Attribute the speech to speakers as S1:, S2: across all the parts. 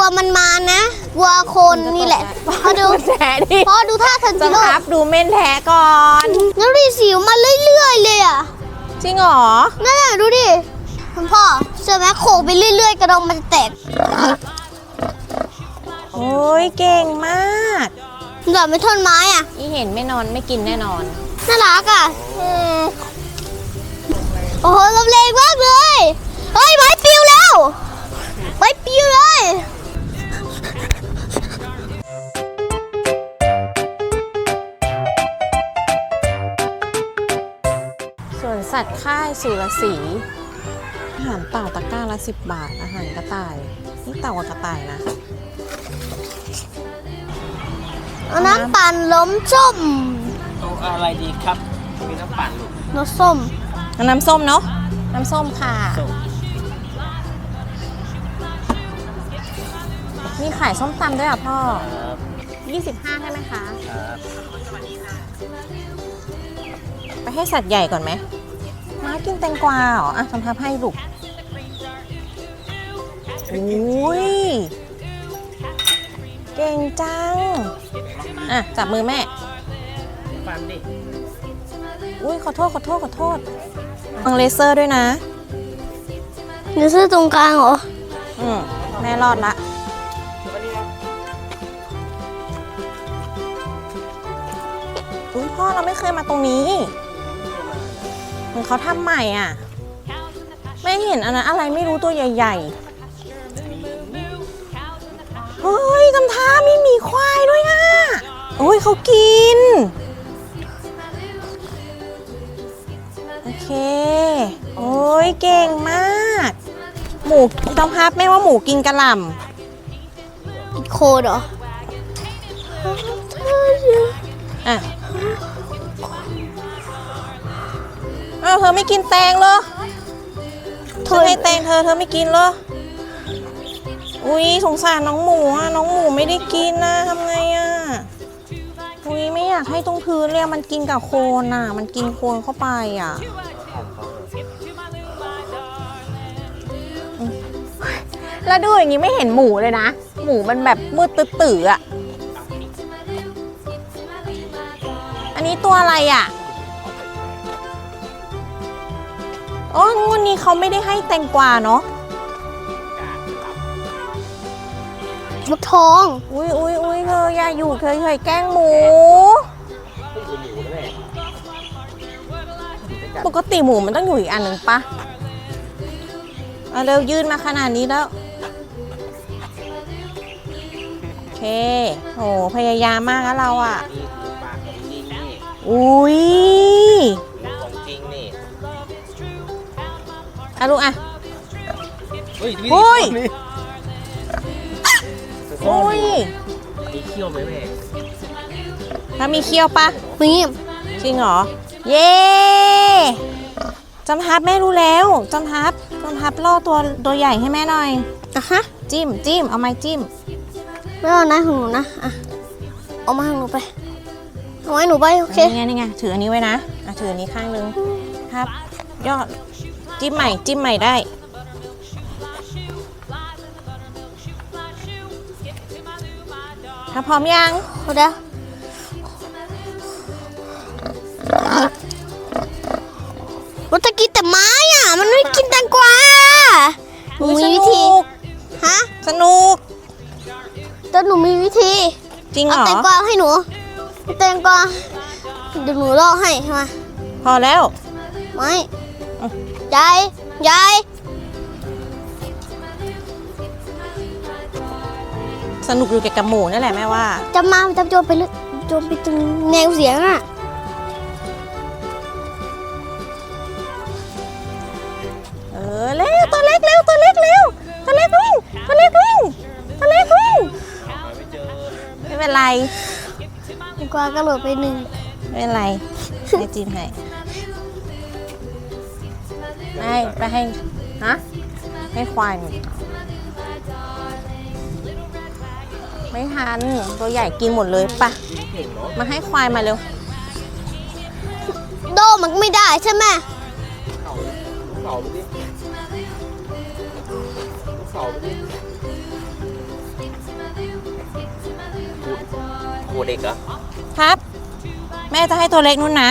S1: มันมานะวัวคนนี่แหละพอดู
S2: แท้ดิ
S1: พอดูท่าทัน
S2: จะ
S1: จิโร่
S2: พับดูเม่นแท้ก่อน
S1: แล้วดิสิวมาเรื่อยๆเลยอ่ะ
S2: จริงเหรอ
S1: นั่นแหละดูดิคุณพ่อเชื่อไหมโขกไปเรื่อยๆกระดองมันจะแตก
S2: โอ้ยเก่งมาก
S1: เหลือไม่ท่อนไม้อ่ะ
S2: อีเห็นไม่นอนไม่กินแน่นอน
S1: น่ารักอ่ะโอ้โหลมแรงมากเลยเฮ้ยไม้ปลิวแล้วไม้ปลิวเลย
S2: ส่วนสัตว์ค่ายสุรศรีอาหารเต่าตะกร้าละ10 บาทอาหารกระต่ายนี่เต่ากับกระต่ายนะ
S1: เอาน้ำปั่นล้มส้ม
S3: เอาอะไรดีครับมีน้ำปั่นลูก
S1: น้ำส้ม
S2: เอาน้ำส้มเนาะน้ำส้มค่ะ
S3: ส้ม
S2: มีขายส้มตำด้วยอ่ะพ่อ
S3: ครับ
S2: 25ใช่ไหมคะ
S3: ครับ
S2: ไปให้สัตว์ใหญ่ก่อนไหมม้ากินแตงกวาเหรออ่ะทำพับให้ลูกอุ้ยเก่งจังอ่ะจับมือแม่
S3: ปั่นดิ
S2: อุ้ยขอโทษฟังเลเซอร์ด้วยนะ
S1: เดี๋ยวซื้อตรงกลางเหรอ
S2: แม่รอดละอุ้ยพ่อเราไม่เคยมาตรงนี้เหมือนเขาทำใหม่อ่ะไม่เห็นอันนั้นอะไรไม่รู้ตัวใหญ่ๆเฮ้ยทำท่ามีหมีควายด้วยอ่ะโอ้ยเขากินโอเคโอ้ยเก่งมากหมูต้องพับแม่ว่าหมูกินกระหล่ำ
S1: กินโคดเหรอ
S2: อ่ะอ้าวเธอไม่กินแตงเหรอเธอให้แตงเธอไม่กินเหรออุ้ยสงสารน้องหมูอ่ะน้องหมูไม่ได้กินนะทำไงอ่ะอุ้ยไม่อยากให้ตรงพื้นเลยมันกินกับโคลนอ่ะมันกินโคลนเข้าไปอ่ะแล้วดูอย่างนี้ไม่เห็นหมูเลยนะหมูมันแบบมืดตื้อๆอ่ะอันนี้ตัวอะไรอ่ะอ๋องวดนี้เขาไม่ได้ให้แตงกวาเนาะ
S1: ฟักทอง
S2: อุ้ยเธออย่าอยู่เคยแกล้งหมู ปกติหมูมันต้องอยู่อีกอันหนึ่งปะเอาเร็วยืนมาขนาดนี้แล้ว โอเคโหพยายามมากแล้วเราอ่ะ
S3: นี่คือปากของจริงนี่
S2: อุ้ย
S3: ของจริงนี่
S2: อ่ะลูกอ่ะ
S3: เฮ้ย
S2: โอ้ย
S3: นี่
S2: อุ้ย
S3: มีเขี้ยวไหมแม่
S2: ถ้ามีเขี้ยวปะ
S1: มี
S2: จริงเหรอ เย้จำทับแม่รู้แล้วจำทับล่อตัวใหญ่ให้แม่หน่อย
S1: อ่ะฮะ
S2: จิ้มเอาไม้จิ้ม
S1: ไม่เอานะของหนูนะอ่ะเอามาของหนูไปเอาไว้หนูไปโอเค
S2: นี่ไงถืออันนี้ไว้นะอ่ะถืออันนี้ข้างนึงครับยอดจิ้มใหม่ได้ถ้าพร้อมยัง
S1: เอาเดี๋ยวมันจะกินแต่ไม้อ่ะมันไม่กินแตงกวาหนู
S2: อุ๊ย
S1: มีวิธี
S2: สนุก
S1: ฮะ
S2: สนุก
S1: แต่หนูมีวิธี
S2: จริงเหร
S1: เอา
S2: อ
S1: แตงกวาให้หนูแตงกวาเดี๋ยวหนูล่อให้ใช่ไหม
S2: พอแล้ว
S1: ไม่ยาย
S2: สนุกอยู่กับหมูนั่นแหละแม่ว่า
S1: จะมาจะโจมไปเลยโจมไปตรงแนวเสียงอ่ะ
S2: เร็วตัวเล็กวิ่งไม่เป็นไร
S1: แตงกวากระโดดไปหนึ่ง
S2: ไม่เป็นไรให้จิ้มให้ไปให้ฮะให้ควายไม่ทันตัวใหญ่กินหมดเลยปะ
S3: เก่งเนาะ
S2: มาให้ควายมาเร็ว
S1: โดมันไม่ได้ใช่ไหม
S3: เสาไปดิเสาไปดิตัวเด็กเหรอ
S2: ครับ แม่จะให้ตัวเล็กนู่นนะ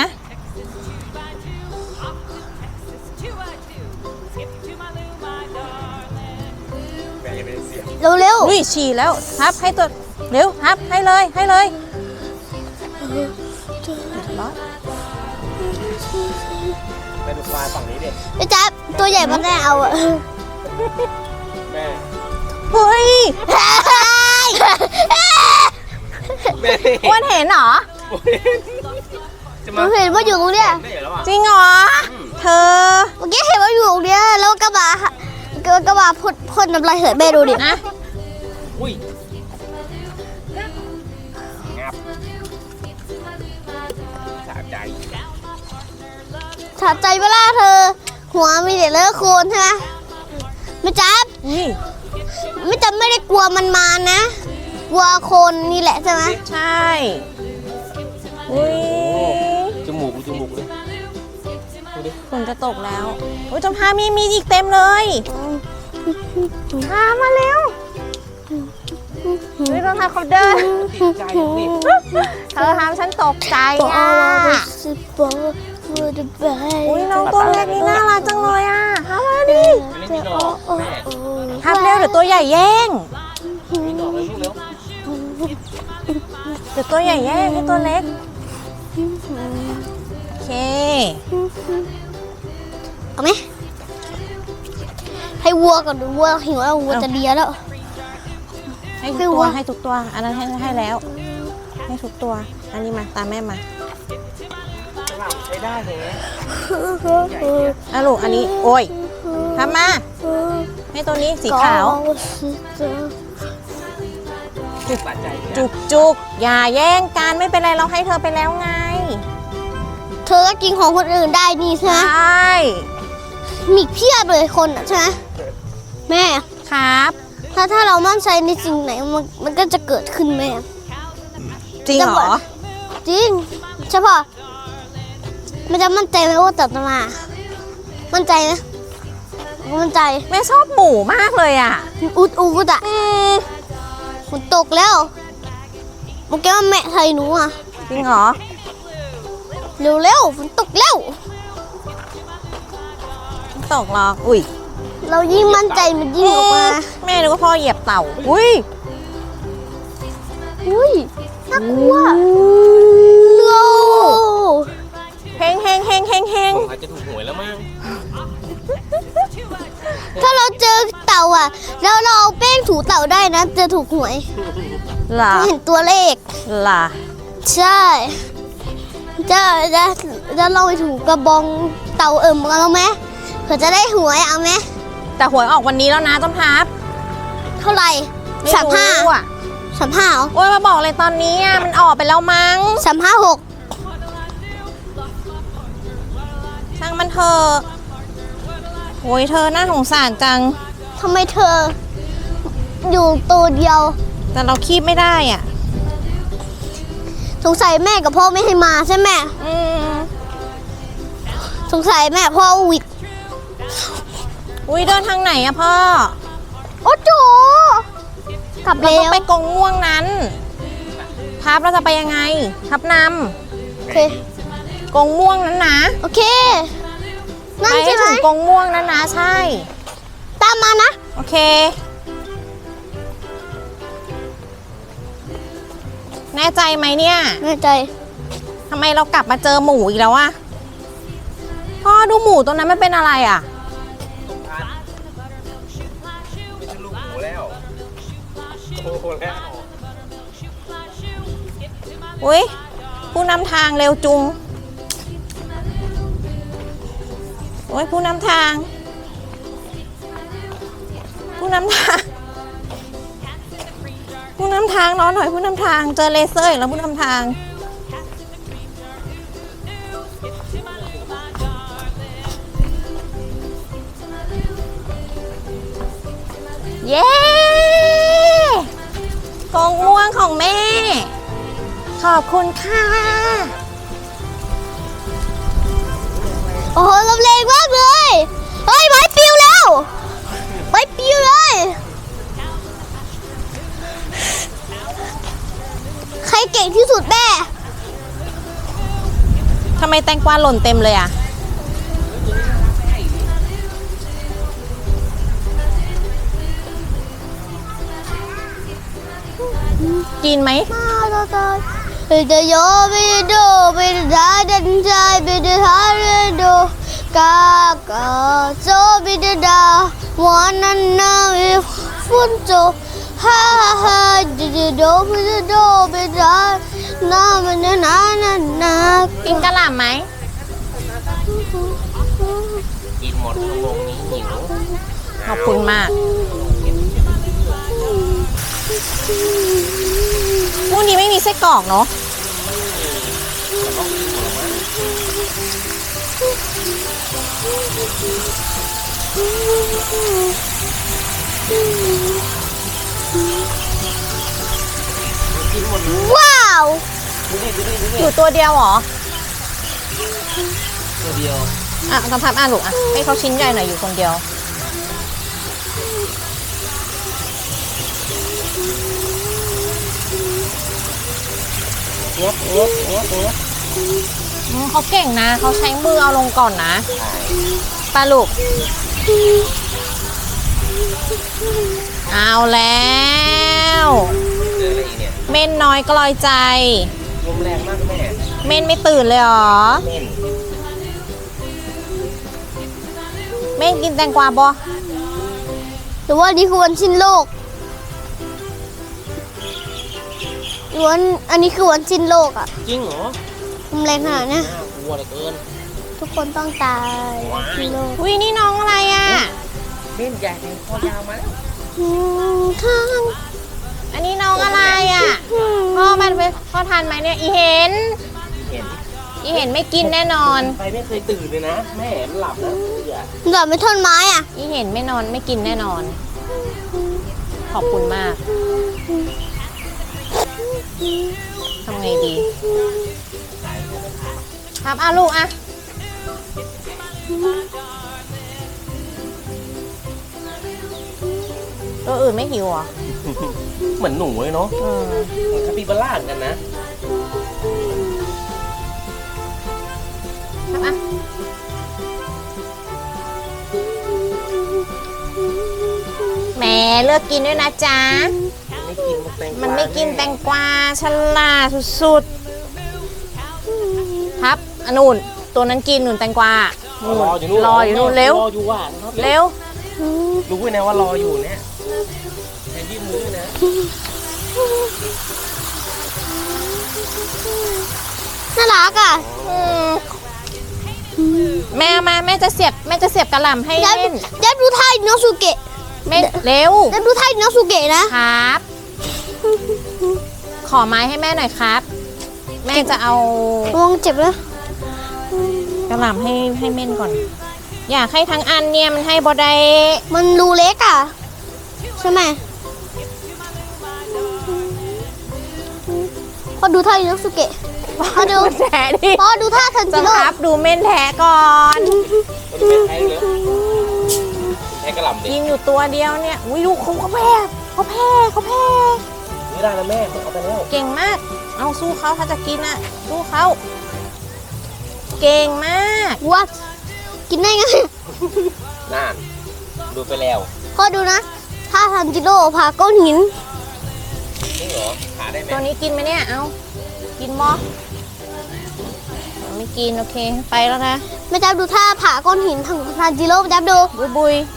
S3: แม่ยังไม่ได้เสียง
S1: เร็ว
S2: อุ้ยฉี่แล้วครับให้ตัวเร็วครับให้เลยให้เลย
S3: ไปดูปลาฝั่งนี้ดิ
S1: ๆพี่จ๊บตัวใหญ่มันได้เอาอะ
S3: แม่
S2: เฮ้ย
S3: แม่
S2: อ้วนเห็นเหรอ
S3: จะ
S1: ห
S3: มา
S1: นูเห็นว่าอยู่ตรงเนี้ย
S3: ได้เหรอวะ
S2: จริงเหรอ เธอ
S1: เมื่อกี้เห็นว่าอยู่ตรงเนี้ยแล้วกระบะพ่นน้ำลายเหือดแม่ดูดิ
S2: นะ
S3: อุ้ยงับสะใจ
S1: สะใจเวลาเธอ หัวมีแต่เลอะโคลนใช่ไหมไม่จับ
S2: อุ้ย
S1: ไม่จับไม่ได้กลัวมันมานะ กลัวโคลนนี่แหละใช่ไหม
S2: ใช่อุ้ย
S3: จมูกดูจมูกเลยดูดิ
S2: ฝนจะตกแล้วอุ้ยจมพามีอีกเต็มเลยพามาเร็วอุ้ยรองเท้าเขาเดิน
S3: ติดใจดิ
S2: เธอทำฉันตกใจ
S1: ปอ
S2: อ่ะ
S1: สิปอฟูดบาย
S2: อุ้ยน้องตัวเล็กนี่น่ารักจังเลยอ่ะทำมาดิ
S3: อันนี้มีดอกแม่
S2: ทำเร็วเดี๋ยวตัวใหญ่แย่ง
S3: มีดอกเลยลูกเร็ว
S2: เดี๋ยวตัวใหญ่แย่งให้ตัวเล็กโอเค
S1: เอาไหมให้วัวก่อนดูวัวหิวแล้ววัวจะเลียแล้ว
S2: ให้ทุกตัวให้ทุกตัว อันนั้นให้แล้ว ให้ทุกตัว อันนี้มาตามแม่มา
S3: ฉลามใช้ได้เลย
S2: อ่ะลูกอันนี้โอ้ยทำมาให้ตัวนี้สีขาว
S3: บาดใจ
S2: จุกอย่าแย่งกันไม่เป็นไรเราให้เธอไปแล้วไง
S1: เธอก็กินของคนอื่นได้นี่ใช่
S2: ใช
S1: ไหม่ มีเพียบเลยคนอ่ะใช่ไหมแม่
S2: ครับ
S1: ถ้าเรามั่นใจในสิ่งไหนมันก็จะเกิดขึ้นแม่
S2: จริงเหรอ
S1: จริงใช่ปะมันจะมั่นใจไหมว่าตัดมา มั่นใจไหมมั่นใจ
S2: แม่ชอบหมูมากเลยอ่ะ
S1: อุดอ่ะฝนตกแล้วเมื่อกี้ว่าแม่ไทยหนูอ่ะ
S2: จริงเหรอ
S1: เร็วฝนตกแล้ว
S2: ตกหรอกอุ้ย
S1: เรายิ่งมั่นใจมันยิ่งออกมา
S2: แม่นึกว่าพ่อเหยียบเต่าอุ้ย
S1: อุ้ยน่ากลัวโน
S2: เฮงเฮงเฮงเฮงเฮง
S3: อาจจะถูกหวยแล้วมั้ง
S1: ถ้าเราเจอเต่าอ่ะ แล้วเราเอาแป้งถูเต่าได้นะจะถูกหวย
S2: เหรอ
S1: เห็นตัวเลข
S2: เหรอ
S1: ใช่จะลองไปถูกระบองเต่ากันแล้วไหมเผื่อจะได้หวยเอาไหม
S2: แต่หวยออกวันนี้แล้วนะต้นพับ
S1: เท่าไหร่
S2: ไม่
S1: 35
S2: รู้อ่ะ
S1: 35เหรอ
S2: โอ้ยมาบอกเลยตอนนี้อ่ะมันออกไปแล้วมั้ง
S1: 356
S2: ช่างมันเถอะโอ้ยเธอน่าสงสารจัง
S1: ทำไมเธอ อยู่ตัวเดียว
S2: แต่เราคีบไม่ได้อ่ะ
S1: สงสัยแม่กับพ่อไม่ให้มาใช่ไหม
S2: อืม
S1: สงสัยแม่พ่อหวิด
S2: อุ้ยเดินทางไหนอะพ่อ
S1: โอ้โจกลับ
S2: เรา
S1: แล้
S2: ต้อง
S1: ว
S2: ไปกงม่วงนั้นพับเราจะไปยังไงพับน
S1: โอเค
S2: ำกงม่วงนั้นนะ
S1: โอเค นั่น
S2: ไปให้
S1: ใช่ไหม
S2: ถึงกงม่วงนั้นนะใช่
S1: ตามมานะ
S2: โอเค แน่ใจไหมเนี่ย
S1: แน่ใจ
S2: ทำไมเรากลับมาเจอหมูอีกแล้วอะพ่อดูหมูตัวนั้นมันเป็นอะไรอะ
S3: ไม่ใช่ลูกหมูแล้วโอ้โหแล้ว
S2: อุ้ยผู้นำทางเร็วจุงโอ้ยผู้นำทาง ผู้นำทาง ผู้นำทางรอหน่อยผู้นำทางเจอเลเซอร์อีกแล้วผู้นำทาง เย้กองม่วงของแม่ ขอบคุณค่ะ
S1: โอ้โหลมแรงมากเลย เฮ้ยไม้ปลิวแล้วไม้ปลิวเลย ใครเก่งที่
S2: มแตงกวาหล่นเต็มเลยอ่ะกินไหม
S1: Bida yo bido bida dan jai bida harido kaka so bida da wanana funto ha ha dido bida na na na na
S2: กินกะหล่ำไหม
S3: กินหมดชั่วโมงนี้หิว
S2: ขอบคุณมากพรุ่งนี้ไม่มีไส้กรอกเนาะ
S1: ว้าว
S2: อยู่ตัวเดียวเหรอ
S3: ตัวเดียว
S2: อ่ะทำพับลูกอ่ะให้เขาชิ้นใหญ่หน่อยอยู่คนเดียวเขาเก่งนะเขาใช้มือเอาลงก่อนนะปลาลูกเอาแล้ว
S3: เจออะไรอีกเนี่ย
S2: เม่นน้อยกลอยใจ
S3: ลมแรงมากแม่
S2: เม่นไม่ตื่นเลยเหรอ
S3: เม่น
S2: เม่นกินแตงกวาบ่
S1: หรือว่านี่คือวันสิ้นโลกหรือว่าอันนี้คือวันสิ้นโลกอ่ะ
S3: จริงเหรอ
S1: มันแรงขนาดเนี้ย
S3: น่ากลัวเหลือเกิน
S1: ทุกคนต้องตายสิ้นโลก
S2: อุ้ยนี่น้องอะไรอ่ะ
S3: เม่นใหญ่เป็นคอยาวมาแล้ว
S1: ข้าง
S2: อันนี้น้องอะไรอ่ะพ่อมันเป็นพ่อทานไหมเนี่ยอีเห็น
S3: เห็น
S2: อีเห็นไม่กินแน่นอน
S3: ไปไม่เคยตื่นเลยนะ แม่มันหลับนะเบื่อ
S1: เหลือไม่ท่อนไม้อ่ะ
S2: อีเห็นไม่นอนไม่กินแน่นอน ขอบคุณมากทำไงดีครับอ่ะลูกอ่ะตัวอื่นไม่หิวเหรอ
S3: เหมือนหนูเลยเนาะ
S2: เออ
S3: เหมือนคาปิบาร่าเหมือนกันนะ
S2: ครับอ่ะแหมเลือกกินด้วยนะจ๊ะ
S3: ไม่กินแตงกวา
S2: มันไม่กินแตงกวาฉลาดสุดๆครับอันนู่นตัวนั้นกินหนุนแตงกวานู่น
S3: รออยู่นู่น
S2: รออยู่นู่นเร็ว
S3: รออยู่ว่ะ
S2: เร็ว
S3: รู้ไว้นะว่ารออยู่เนี่ยแทนยื่นมือนะ
S1: น่ารักอ่ะ
S2: อืมแม่เอามาแม่จะเสียบกระหล่ำให้
S1: เดี๋ยว
S2: เล่น
S1: เดี๋ยวดูท่าอิโนสุเกะ
S2: แม่เร็ว
S1: เดี๋ยวดูท่าอิโนสุเกะนะ
S2: ครับ ขอไม้ให้แม่หน่อยครับ แม่จะเอา
S1: ระวังเจ็บนะ
S2: กระหล่ำให้เม่นก่อน อยากให้ทั้งอันเนี่ยมันให้บอได้
S1: มันรูเล็กอ่ะ ใช่ไหมพอดูท่าอิโนสุเกะพอดู
S2: แฉดิ
S1: พอดูท่าทัน
S2: จะ
S1: จิโร่
S2: ครับดูเม่นแท้ก่อน
S3: ตัวนี้แพ้เลยแพ้กระหล่ำดิ
S2: ยิงอยู่ตัวเดียวเนี่ยอุ้ยดูเขาแพ้เขาแพ้
S3: ไม่ได้นะแม่เอาไปแล้ว
S2: เก่งมาก เอาสู้เขาถ้าจะกินอ่ะสู้เขาเก่งมาก
S1: วัดกินได้ไง
S3: น่านดูไปแล้ว
S1: พอดูนะท่าทันจิโร่พาก้อนหิน
S3: จริงเหรอขาได้ไหม
S2: ตัวนี้กินไหมเนี่ยเอากินมอไม่กินโอเคไปแล้วนะ
S1: แม่จับดูท่าผ่าก้อนหินทางทันจิโร่แม่จับดู
S2: บุย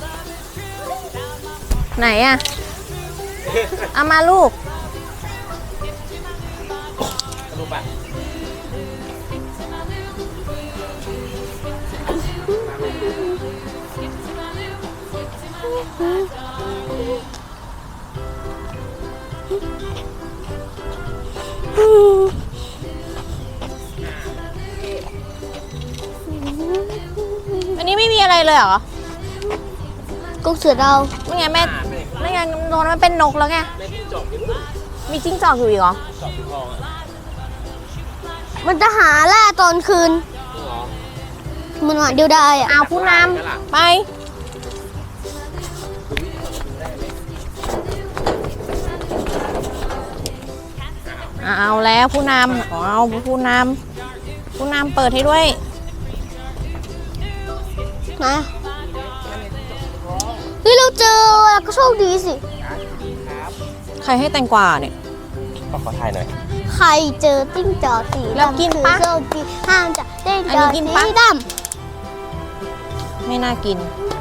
S2: ไหนอะเอามาลูก
S3: ดูป่ะ
S2: อันนี้ไม่มีอะไรเลยเหรอ
S1: กุ๊กเสือดาว
S2: ไม่ไงแม่ไม่ไงโดนมันเป็นนกแล้วไง
S3: แม่ที่จอบอยู่
S2: มีจิ้งจอกอยู่อีกเหรอ
S3: จอบอยู่ทองอ่ะ
S1: มันจะหาล่าตอนคืน
S3: จริงเหรอ
S1: มันหวานเดียวได้อะ
S2: เอาผู้นำไปเอาแล้วผู้นำเอาผู้นผู้นำเปิดให้ด้วย
S1: นะเฮ้ยเราเจอแล้วก็โชคดีสิ
S2: ใครให้แตงกวาเนี่ย
S3: ขอถ่ายหน่อย
S1: ใครเจอติ้งจอกสี
S2: แล้วกินปะ
S1: คือโชคดีห้ามจะติ้ง
S2: อัน
S1: จ
S2: นี้
S1: อก
S2: กิน
S1: สี
S2: ปะ
S1: ด
S2: ไม่น่ากิน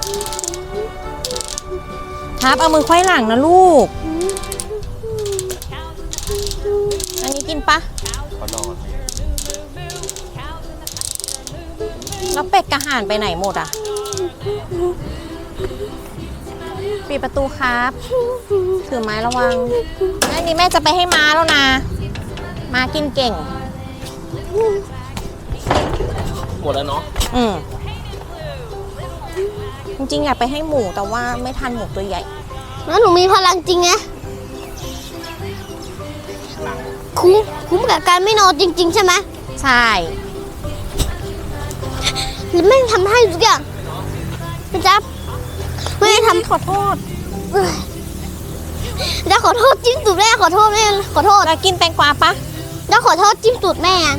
S2: ครับเอามือไขว้หลังนะลูก อันนี้กินปะ
S3: ขอนอน
S2: แล้วเป็ดกระห่านไปไหนหมดอ่ะ ปิดประตูครับ ถือไม้ระวังอันนี้แม่จะไปให้ม้าแล้วนะ ม้ากินเก่ง
S3: หมดแล้วเนาะ
S2: อืมจริงๆอยากไปให้หมูแต่ว่าไม่ทันหมูตัวใหญ่
S1: ำแล้วหนูมีพลังจริงไงคุ้มกับการไม่นอนจริง ๆ ใช่ไหม
S2: ใช่
S1: หรือแม่งทำให้ทุกอย่างนะจ๊ะไม่ได้ทำ
S2: ขอโทษ
S1: จะขอโทษจิ้มตูดแม่ขอโทษแม่ขอโทษ
S2: แล้วกินแตงกวาปะ
S1: จะขอโทษจิ้มตูดแม่อะ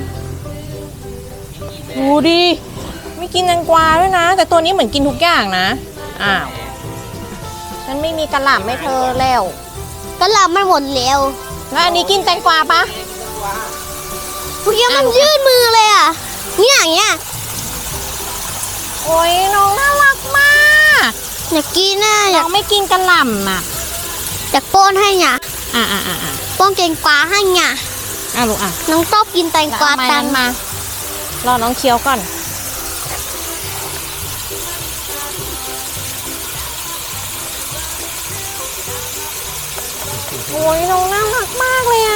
S2: ดูดิ ไม่กินแตงกวาด้วยนะ แต่ตัวนี้เหมือนกินทุกอย่างนะ อ้าว ฉันไม่มีกระหล่ำให้เธอแล้ว
S1: ก็หลับมันหมดแล้ว
S2: แล้วอันนี้กินแตงกวาปะ
S1: เมื่อกี้มันยื่นมือเลยอ่ะเนี่ยอย่างเงี้ย
S2: โอ้ยน้องน่ารักมาก
S1: อยากกินน่ะอ
S2: น้
S1: ยา
S2: อก งไม่กินกระหล่ำอ่ะ
S1: อยากป้อนให้เนี่ย
S2: อ่ะ
S1: ป้อนแตงกวาให้เนี่ย
S2: ลูกอ่ะ
S1: น้องชอบกินแตงกวา
S2: แล้ว
S1: ตั
S2: เอา
S1: ง
S2: ไม้นั้นมา รอน้องเคี้ยวก่อน โอ้ยน้องน่ารักมากเลยอ่ะ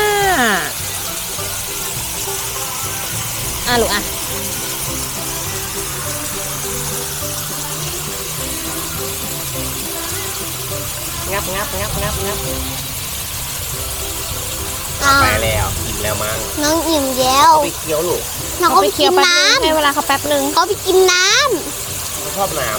S2: ลูกอ่ะ
S3: งับ
S1: อ่า
S3: ไปแล้วอิ่มแล้วมั้ง
S1: น้องอิ่มแล้ว
S3: ไปเคี้ยวลูก
S1: น้องก็ไปกินน้
S2: ให้เวลาเขาแป๊บนึง
S1: ำเขาไปกินน้
S3: เขาชอบน้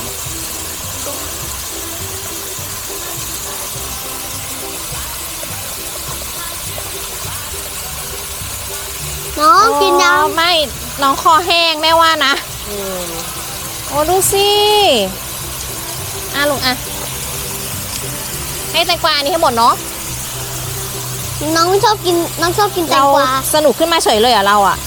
S1: ำน้องกินน้
S2: ไม่ น้องคอแห้งแม่ว่านะ โอ้ดูสิลูกอ่ะ ให้แตงกวาอันนี้ให้หมดเนาะ
S1: ำน้องไม่ชอบกินน้องชอบกินแต
S2: เรา
S1: งกวา
S2: สนุกขึ้นมาเฉยเลยเหรอ่ะเราอ่ะ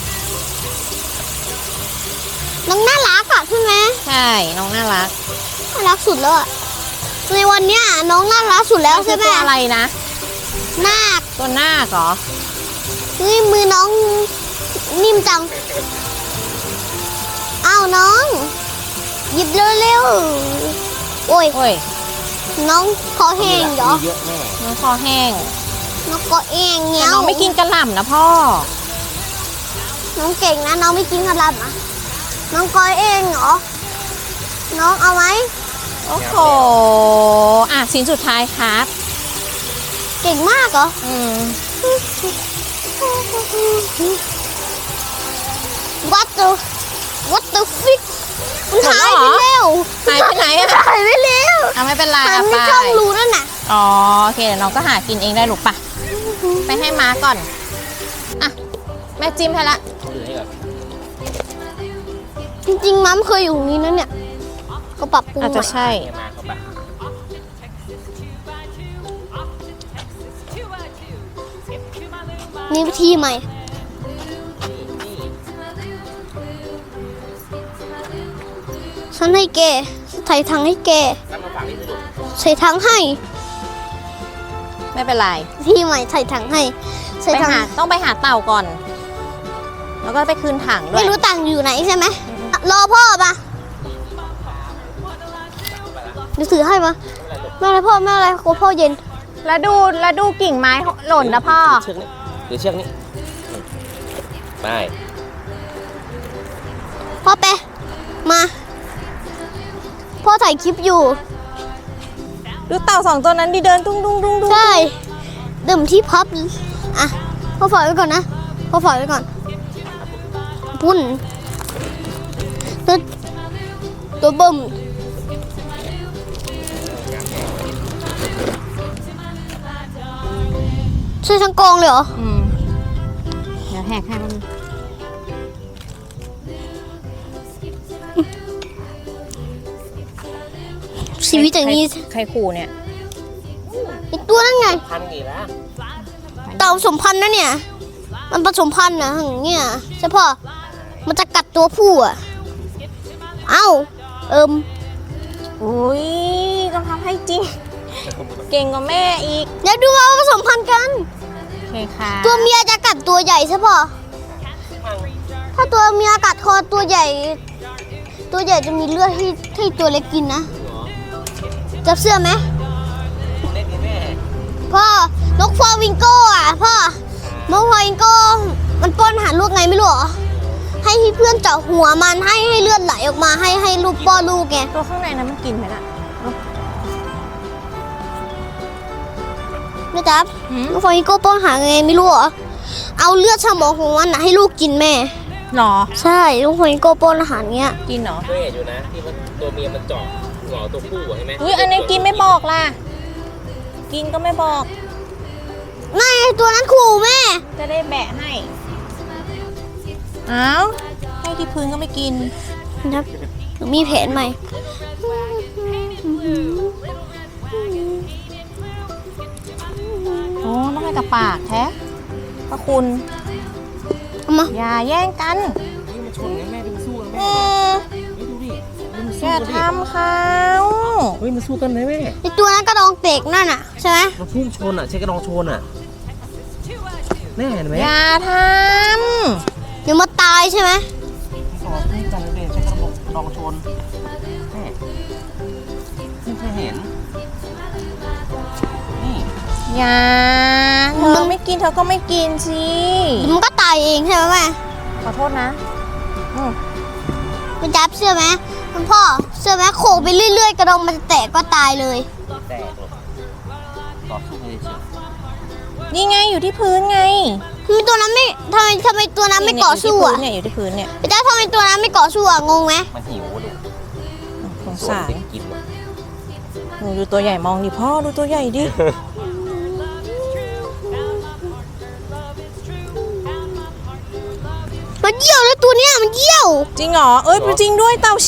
S1: น้องน่ารักอ่ะใช่ไหม
S2: ใช่ น้องน่ารัก
S1: น่ารักสุดแล้วอ่ะในวันเนี้ยน้องน่ารักสุดแล้วใช่ไหม
S2: ตัวอะไรนะ
S1: นาค
S2: ตัวหน้าคเหรอ
S1: นี่มือน้องนิ่มจังอ้าวน้อง หยิบเร็วๆโอ้ย
S2: โอ้ย
S1: น้องคอ
S3: ำ
S1: แห้งเหรอ
S3: เยอะแม่
S2: น้องคอแห้ง
S1: น้องคอแห้ง
S2: แต่
S1: เงี้ย
S2: น้องไม่กินกระหล่ำนะพ่อ
S1: น้องเก่งนะน้องไม่กินกระลำอ่ะน้องคอแห้งเหรอน้องเอาไหม
S2: โอ้โห ชิ้นสุดท้ายครับ
S1: เก่งมากเหรอ What the fish มันหายไปแล้ว
S2: หายไปไหนอะ
S1: หายไปแล้ว
S2: ไม่เป็นไร
S1: หาย
S2: อะ
S1: ไป
S2: ไป
S1: ช่องรูนั่นน่ะ
S2: อ๋อ โอเค เดี๋ยวน้องก็หากินเองได้ลูกปะไปให้ม้าก่อน อ่ะ แม่จิ้มให้ละ
S3: ถือให้ก่อน
S1: จริงๆมัมเคยอยู่ตรงนี้นะเนี่ยเขาปรับปรุง
S2: อาจจะ
S1: ใหม่
S2: ใช่
S3: ให้มาเข้าไป
S1: มีวิธีใหม่ฉันให้แกใส่ถังให้แก
S3: แล้วมาฝากนี่สิลูก
S1: ใส่ถังให้
S2: ไม่เป็นไร
S1: ที่ใหม่ใส่ถังให้ใส่
S2: ไป
S1: ถัง
S2: หาต้องไปหาเต่าก่อน แล้วก็ไปคืนถังด้ว
S1: ไม่
S2: ย
S1: รู้ตังค์อยู่ไหนใช่ไหมรอพ่อปะเดี๋ยวถือให้มาไม่อะไรพ่อไม่อะไรกลัวพ่อเย็น
S2: แล้วดูกิ่งไม้หล่นนะพ่อ
S3: เชือกนี้หรือเชือกนี้ไป
S1: พ่อไปมา พ่อถ่ายคลิปอยู่
S2: ดูเต่าสองตัวนั้นดิเดินตุ้งตุ้งตุ้งตุ้ง
S1: ใช่ดื่มที่พับอ่ะพ่อฝากไว้ก่อนนะพ่อฝากไว้ก่อนปุ่นตัวเบิ่มใช่ทั้งกองเลยเหรอ
S2: เดี๋ยวแหกให้มัน
S1: ชีวิตอย่างนี้
S2: ใครขู่เนี่ย
S1: ไอตัวนั่นไง
S3: พันกี่แล้ว
S1: เต่าผสมพันธุ์นะเนี่ย มันผสมพันธุ์นะอย่างเงี้ยใช่ป่ะมันจะกัดตัวผู้อ่ะ เอ้า
S2: อุ้ยต้องทำให้จริง เก่งกว่าแม่อีก
S1: เดี๋ยวดูว่าผสมพันธุ์กัน
S2: โอเคค่ะ
S1: ตัวเมียจะกัดตัวใหญ่ใช่ป่ะถ้าตัวเมียกัดคอตัวใหญ่ ตัวใหญ่จะมีเลือดให้ตัวเล็กกินนะจับเสื้อไหม
S3: เล็กนี่แม่
S1: พ่อนกฟลามิงโก้อ่ะพ่อนกฟลามิงโก้มันป้อนอาหารลูกไงไม่รู้เหรอให้เพื่อนเจาะหัวมันให้เลือดไหลออกมาให้ลูกป้อนลูกไง
S2: ตัวข้างในนั้นมันกินไหมล่ะ
S1: นะจ๊ะ
S2: หืม
S1: นกฟลามิงโก้ป้อนอาหารไงไม่รู้เหรอเอาเลือดสมองของมันนะให้ลูกกินแม่
S2: หรอ
S1: ใช่นกฟลามิงโก้ป้อนอาหารเงี้ย
S2: กินเหรอ
S3: เคยเห็นอยู่นะที่มันตัวเมียมันเจาะหัวตัวผู้อะใช่ไหม
S2: อุ้ยอันนี้กินไม่บอกล่ะ กินก็ไม่บอก
S1: นั่นไงตัวนั้นขู่แม่
S2: จะได้แบะให้อ้าวให้ที่พื้นก็ไม่กิน
S1: นะครับมีแผนใหม่
S2: อ๋อต้องให้กับปากแท้พระคุณ
S1: เอามา
S2: อย่าแย่งกัน
S3: นี่มันชนไงแม่ดูมันสู้กัน
S2: เอ
S3: แม่
S2: อ
S3: นี่ดูดิมัน
S2: อ
S3: สู้
S2: ย่า
S3: กันดิ
S2: ทำเขา
S3: เฮ้ยมันสู้กันเลยแม่
S1: ไอตัวนั้นกระดองเตกนั่นน่ะใช่ไหม
S3: มันพุ่งชนอ่ะใช้กระดองชนอ่ะแน่เห็นไหม
S2: อย่าท
S1: เดี๋ยวมาตายใช่ไหม
S3: สอบพุ่งกันเลยใช้กระดองชนแม่ไม่เคยเห็นนี่
S2: ำอย่าเธอไม่กินเธอก็ไม่กินสิ
S1: เดี๋ยวมันก็ตายเองใช่ไหมแม่
S2: ขอโทษนะอืม
S1: มันจับเชื่อไหมคุณพ่อเชื่อไหมโขกไปเรื่อยๆกระดองมันจะแตกก็ตายเลย
S3: แตกหรอกต่อสู้กันเฉย
S2: นี่ไงอยู่ที่พื้นไง
S1: ทำไมตัวนั้นไม่ทำไมตัวนั้นไม่เกาะสู้อ่ะ
S2: เนี่ยอยู่ที่พื้นเนี่ย
S1: พี่จ้าทำไมตัวนั้นไม่เกาะสู้อ่ะงงไหม
S3: มันหิวอะลูก
S2: สง
S3: ส่วน
S2: สาร
S3: เด็กกินอะ
S2: หนูดูตัวใหญ่มองดิพ่อดูตัวใหญ่ดิ
S1: มันเยี่ยวแล้วตัวเนี้ยมันเยี่ยว
S2: จริงเหรอเอ้ยจริงด้วยเต่าชี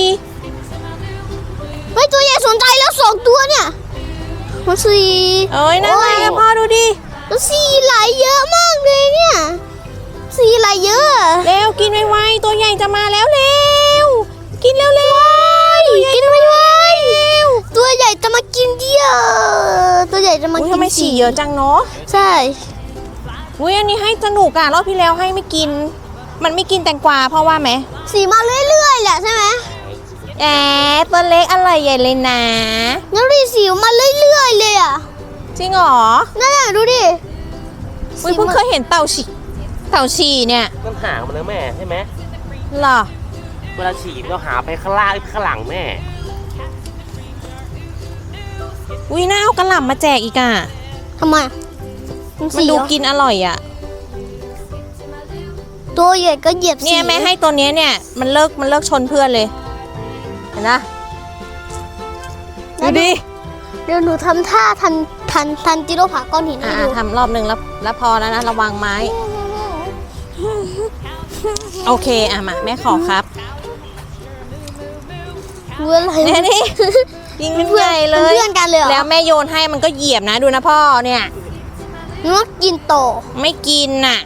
S1: เฮ้ยตัวใหญ่สนใจแล้ว2 ตัวเนี่ยมันสี
S2: เอ้ยนั่นไงอะพ่อดูดิ
S1: แล้วสีไหลเยอะมากเลยเนี่ยสีไหลเยอะอะ
S2: เร็วกินไวๆตัวใหญ่จะมาแล้วเร็วกินเร็วๆ
S1: กินไม่ไหวตัวใหญ่จะมากินเยี่ยวตัวใหญ่จะมา
S2: อุ๊ย
S1: กิน
S2: ทำไมฉี่เยอะจังเนาะ
S1: ใช่
S2: อุ้ยอันนี้ให้สนุกอะรอบที่แล้วให้ไม่กิน มันไม่กินแตงกวาพ่อว่าไหม
S1: สีมาเรื่อยๆแหละใช่ไหม
S2: แอบตัวเล็กอร่อยใหญ่เลยนะ
S1: งั้นดูดิสีมาเรื่อยๆเลยอ่ะ
S2: จริงเหรอ
S1: นั่นแหละดูดิ
S2: อุ้ยเพิ่งเคยเห็นเต่าฉี่เนี่ย
S3: มันหางมันนะแม่ใช่ไหม
S2: เหรอ
S3: เวลาฉีดเราหาไปข้างล่างข้างหลังแม่
S2: อุ้ยน่าเอากระหล่ำมาแจกอีกอะ
S1: ทำไม
S2: มัน
S1: สี
S2: ดู
S1: เหรอ
S2: กินอร่อยอะ
S1: ตัวใหญ่ก็เหยียบสี
S2: เนี่ยแม่ให้ตัวเนี้ยเนี่ยมันเลิกชนเพื่อนเลยเห็นนะดูดิ
S1: เดี๋ยวหนูทำท่าทันจิโร่ผาก้อนหินให้ดู
S2: ทำรอบหนึ่งแล้วพอแล้วนะระวังไม้ โอเคอ่ะมาแม่ขอครับ
S1: รู้อะไร
S2: เนี่ยนี่ ยิงเป็น
S1: เพื่อน
S2: ใหญ่เลย
S1: เพื่อนกันเลยเหรอ
S2: แล้วแม่โยนให้มันก็เหยียบนะดูนะพ่อเนี่ย
S1: นึกว่ากินโต
S2: ไม่กินน่ะ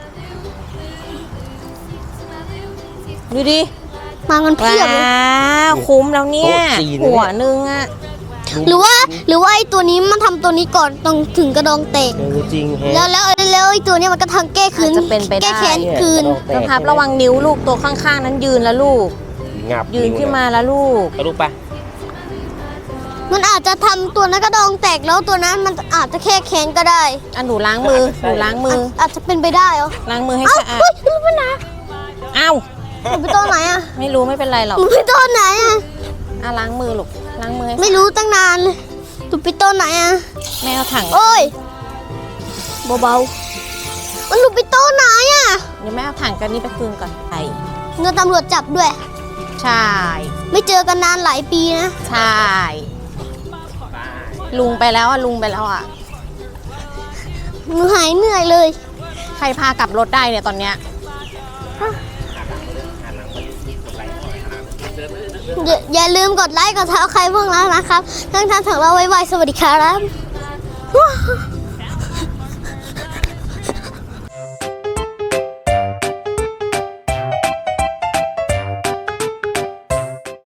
S2: ดูดิ
S1: มากันเพี
S2: ว้
S1: ยบเลย
S2: าวคุ้มแล้วเนี่ยหัวนึงอ่ะ
S1: หรือว่าไอ้ตัวนี้มันทำตัวนี้ก่อนต้องถึงกระดองเตก
S3: จริงแฮะ
S1: แล้วไอ้ตัวเนี้ยมันก็ทำแก้คืน
S2: อาจจะเป็นไปได้
S1: แก้แค้นคืน
S2: นะครับระวังนิ้วลูกตัวข้างๆนั้นยืนแล้วลูก
S3: งับ
S2: ยืนขึ้นมาแล้วลูก
S3: เอาลูกไป
S1: มันอาจจะทำตัวนั้นกระดองแตกแล้วตัวนั้นมันอาจจะแค่แค้นก็ได้
S2: อ่ะหนูล้างมือหนูล้างมือ
S1: อาจจะเป็นไปได้เหรอ
S2: ล้างมือให้
S1: เอ้า
S2: สะอาด
S1: เฮ้ยมันไปไหน
S2: อ้าว
S1: มันไปต้นไหนอ่ะ
S2: ไม่รู้ไม่เป็นไรหรอก
S1: มันไปต้นไหนอ่ะ
S2: อ่ะล้างมือลูกล้างมือให้
S1: ไม่รู้ตั้งนานเลยมันไปต้นไหนอ่ะ
S2: แม่เอาถัง
S1: โอ้ยเบาๆมันหลุดไปต้นไหนอ่ะ
S2: เดี๋ยวแม่เอาถังกันนี้ไปคืนก่อนไป
S1: เงินตำรวจจับด้วย
S2: ใช่
S1: ไม่เจอกันนานหลายปีนะ
S2: ใช่ลุงไปแล้วอ่ะลุงไปแล้วอ่ะ
S1: หนูหายเหนื่อยเลย
S2: ใครพากลับรถได้เนี่ยตอนเนี้ย
S1: อย่าลืมกดไลค์กดทักใครพวกเรานะครับทั้งท่านถึงเราไว้สวัสดีครับ